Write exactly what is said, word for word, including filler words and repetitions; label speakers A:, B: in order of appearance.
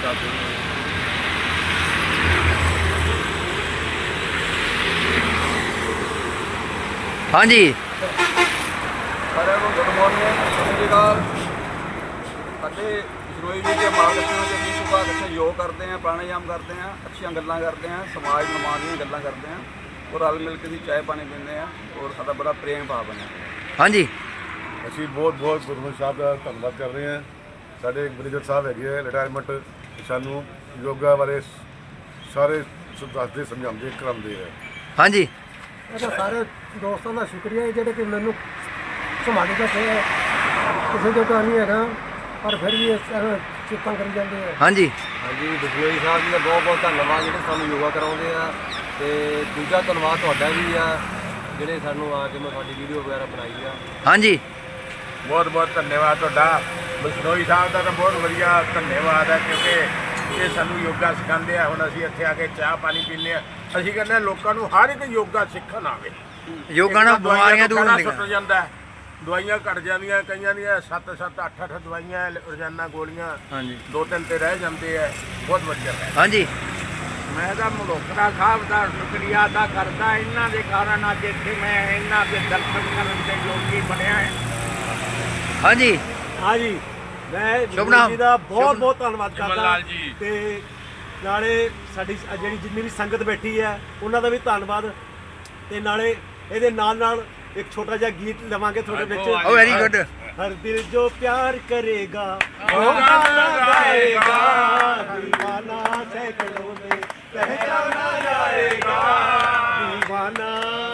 A: ਕਰਦੇ ਨੇ।
B: हाँ जी
A: ਸਾਰਿਆਂ ਨੂੰ ਗੁੱਡ ਮਾਰਨਿੰਗ, ਸਤਿ ਸ਼੍ਰੀ ਅਕਾਲ। ਸਾਡੇ ਬਿਸ਼ਨੋਈ ਜੀ ਦੇ ਮਾਰਗਦਰਸ਼ਨ ਵਿੱਚ ਅਸੀਂ ਸੁਬਾਹ ਇਕੱਠੇ ਯੋਗ ਕਰਦੇ ਹਾਂ, ਪ੍ਰਾਣਾਯਾਮ ਕਰਦੇ ਹਾਂ, ਅੱਛੀਆਂ ਗੱਲਾਂ ਕਰਦੇ ਹਾਂ, ਸਮਾਜ ਨਿਰਮਾਣ ਦੀਆਂ ਗੱਲਾਂ ਕਰਦੇ ਹਾਂ ਔਰ ਰਲ ਮਿਲ ਕੇ ਅਸੀਂ ਚਾਹ ਪਾਣੀ ਪੀਂਦੇ ਹਾਂ ਔਰ ਸਾਡਾ ਬੜਾ ਪ੍ਰੇਮ ਭਾਵ ਬਣਿਆ।
B: हाँ जी
C: ਅਸੀਂ ਬਹੁਤ ਬਹੁਤ ਗੁਰਮੁਖ ਸਾਹਿਬ ਦਾ ਧੰਨਵਾਦ ਕਰ ਰਹੇ ਹਾਂ। ਸਾਡੇ ਮੈਨੇਜਰ ਸਾਹਿਬ ਹੈਗੇ ਆ ਰਿਟਾਇਰਮੈਂਟ, ਸਾਨੂੰ ਯੋਗਾ ਬਾਰੇ ਸਾਰੇ ਦੱਸਦੇ ਸਮਝਾਉਂਦੇ ਕਰਾਉਂਦੇ ਆ।
B: हाँ जी
D: ਇਹਦਾ ਸਾਰੇ ਦੋਸਤਾਂ ਦਾ ਸ਼ੁਕਰੀਆ ਹੈ ਜਿਹੜੇ ਕਿ ਮੈਨੂੰ ਸੰਭਾਲੀ ਬੈਠੇ ਹੈ। ਕਿਸੇ ਜਗ੍ਹਾ ਨਹੀਂ ਹੈਗਾ ਪਰ ਫਿਰ ਵੀ ਇਸ ਤਰ੍ਹਾਂ ਚਿੰਤਾ ਕਰੀ ਜਾਂਦੇ ਆ।
B: हाँ जी
A: ਹਾਂਜੀ, ਬਿਸ਼ਨੋਈ ਸਾਹਿਬ ਜੀ ਦਾ ਬਹੁਤ ਬਹੁਤ ਧੰਨਵਾਦ ਜਿਹੜੇ ਸਾਨੂੰ ਯੋਗਾ ਕਰਾਉਂਦੇ ਆ, ਤੇ ਦੂਜਾ ਧੰਨਵਾਦ ਤੁਹਾਡਾ ਵੀ ਆ ਜਿਹੜੇ ਸਾਨੂੰ ਆ ਕੇ ਮੈਂ ਤੁਹਾਡੀ ਵੀਡੀਓ ਵਗੈਰਾ ਬਣਾਈ ਆ।
B: हाँ जी
C: ਬਹੁਤ ਬਹੁਤ ਧੰਨਵਾਦ ਤੁਹਾਡਾ। ਬਿਸ਼ਨੋਈ ਸਾਹਿਬ ਦਾ ਤਾਂ ਬਹੁਤ ਵਧੀਆ ਧੰਨਵਾਦ ਹੈ ਕਿਉਂਕਿ ਇਹ ਸਾਨੂੰ ਯੋਗਾ ਸਿਖਾਉਂਦੇ ਆ। ਹੁਣ ਅਸੀਂ ਇੱਥੇ ਆ ਕੇ ਚਾਹ ਪਾਣੀ ਪੀਂਦੇ ਆ। ਅਸੀਂ ਕਹਿੰਦੇ ਹਾਂ ਲੋਕਾਂ ਨੂੰ ਹਰ ਇੱਕ ਯੋਗਾ ਸਿੱਖਣ ਆਵੇ।
B: योगा ਨਾਲ ਬਿਮਾਰੀਆਂ ਦੂਰ
C: ਸੁੱਟ
B: ਹੁੰਦੀਆਂ।
C: ਜਾਂਦਾ ਹੈ, ਦਵਾਈਆਂ ਘਟ ਜਾਂਦੀਆਂ, ਕਈਆਂ ਦੀਆਂ ਸੱਤ ਸੱਤ ਅੱਠ ਅੱਠ ਦਵਾਈਆਂ ਰੋਜ਼ਾਨਾ ਗੋਲੀਆਂ
B: हाँ जी
C: ਦੋ ਤਿੰਨ ਤੇ ਰਹਿ ਜਾਂਦੇ ਆ। ਬਹੁਤ ਵਧੀਆ ਹੈ।
B: हाँ जी
E: ਮੈਂ ਤਾਂ ਮਲੋਕਰਾ ਸਾਹਿਬ ਦਾ ਸ਼ੁਕਰੀਆ ਅਦਾ ਕਰਦਾ, ਇਹਨਾਂ ਦੇ ਕਾਰਨ ਅੱਜ ਇੱਥੇ ਮੈਂ ਇਹਨਾਂ ਦੇ ਦਰਸ਼ਨ ਕਰਨ ਦੇ ਯੋਗੀ ਬਣਿਆ ਹੈ।
B: हाँ जी
D: ਹਾਂਜੀ ਮੈਂ
B: ਸ਼ੁਭ ਨਾਮ।
D: ਜੀ ਦਾ ਬਹੁਤ
B: ਸ਼ੁਭ-
D: ਬਹੁਤ ਧੰਨਵਾਦ ਕਰਦਾ ਤੇ ਨਾਲੇ ਸਾਡੀ ਸ- ਜਿਹੜੀ ਜਿੰਨੀ ਵੀ ਸੰਗਤ ਬੈਠੀ ਹੈ ਉਹਨਾਂ ਦਾ ਵੀ ਧੰਨਵਾਦ, ਤੇ ਨਾਲੇ ਇਹਦੇ ਨਾਲ ਨਾਲ ਇੱਕ ਛੋਟਾ ਜਿਹਾ ਗੀਤ ਲਵਾਂਗੇ ਤੁਹਾਡੇ ਵਿੱਚ।
B: ओ वेरी गुड
D: हर दिल जो प्यार करेगा वो गाना गाएगा, दीवाना सैकड़ों में पहचाना जाएगा, दीवाना